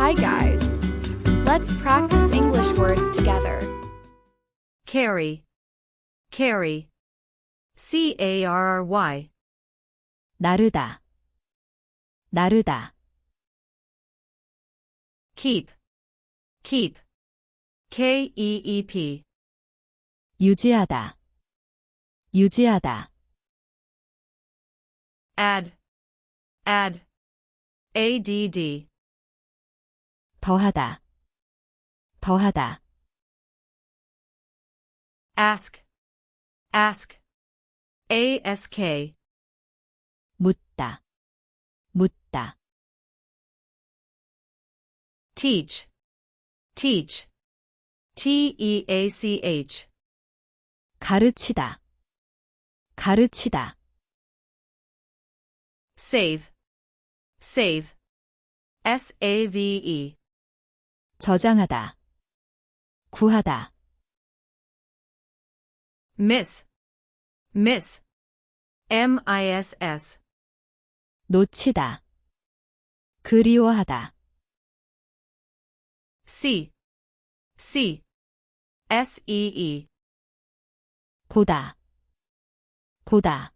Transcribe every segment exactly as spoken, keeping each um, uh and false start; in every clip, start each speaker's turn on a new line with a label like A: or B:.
A: Hi guys. Let's practice English words together.
B: Carry. Carry. C A R R Y.
C: 나르다, 나르다.
B: Keep. Keep. K E E P.
C: 유지하다, 유지하다.
B: Add. Add. A D D.
C: 더하다, 더하다.
B: Ask. Ask. A S K.
C: 묻다, 묻다.
B: Teach. Teach. T E A C H.
C: 가르치다, 가르치다.
B: Save. Save. S A V E.
C: 저장하다, 구하다.
B: Miss. Miss. M I S S.
C: 놓치다, 그리워하다.
B: See. See. S E E.
C: 보다, 보다.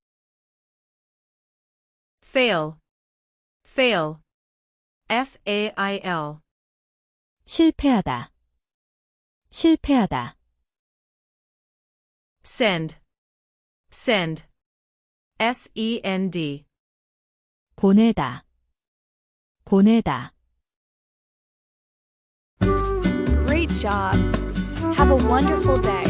B: Fail. Fail. F A I L.
C: 실패하다, 실패하다.
B: Send. Send. S E N D.
C: 보내다, 보내다.
A: Great job. Have a wonderful day.